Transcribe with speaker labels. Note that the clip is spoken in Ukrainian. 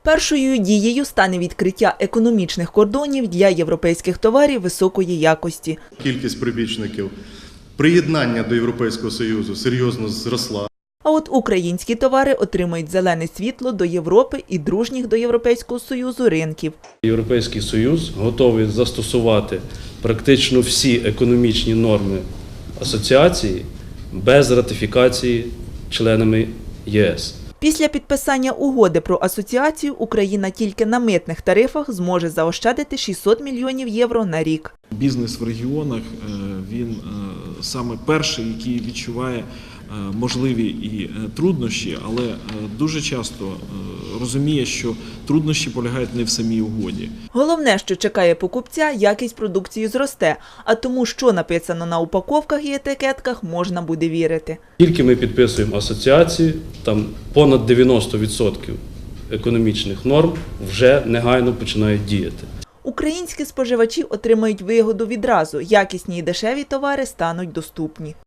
Speaker 1: Першою дією стане відкриття економічних кордонів для європейських товарів високої якості.
Speaker 2: Кількість прибічників приєднання до Європейського Союзу серйозно зросла.
Speaker 1: А от українські товари отримають зелене світло до Європи і дружніх до Європейського Союзу ринків.
Speaker 3: Європейський Союз готовий застосувати практично всі економічні норми асоціації без ратифікації членами ЄС.
Speaker 1: Після підписання угоди про асоціацію Україна тільки на митних тарифах зможе заощадити 600 мільйонів євро на рік.
Speaker 4: Бізнес в регіонах, він саме перший, який відчуває можливі і труднощі, але дуже часто розуміє, що труднощі полягають не в самій угоді.
Speaker 1: Головне, що чекає покупця, якість продукції зросте, а тому, що написано на упаковках і етикетках, можна буде вірити.
Speaker 3: Тільки ми підписуємо асоціацію, там понад 90% економічних норм вже негайно починають діяти.
Speaker 1: Українські споживачі отримають вигоду відразу, якісні і дешеві товари стануть доступні.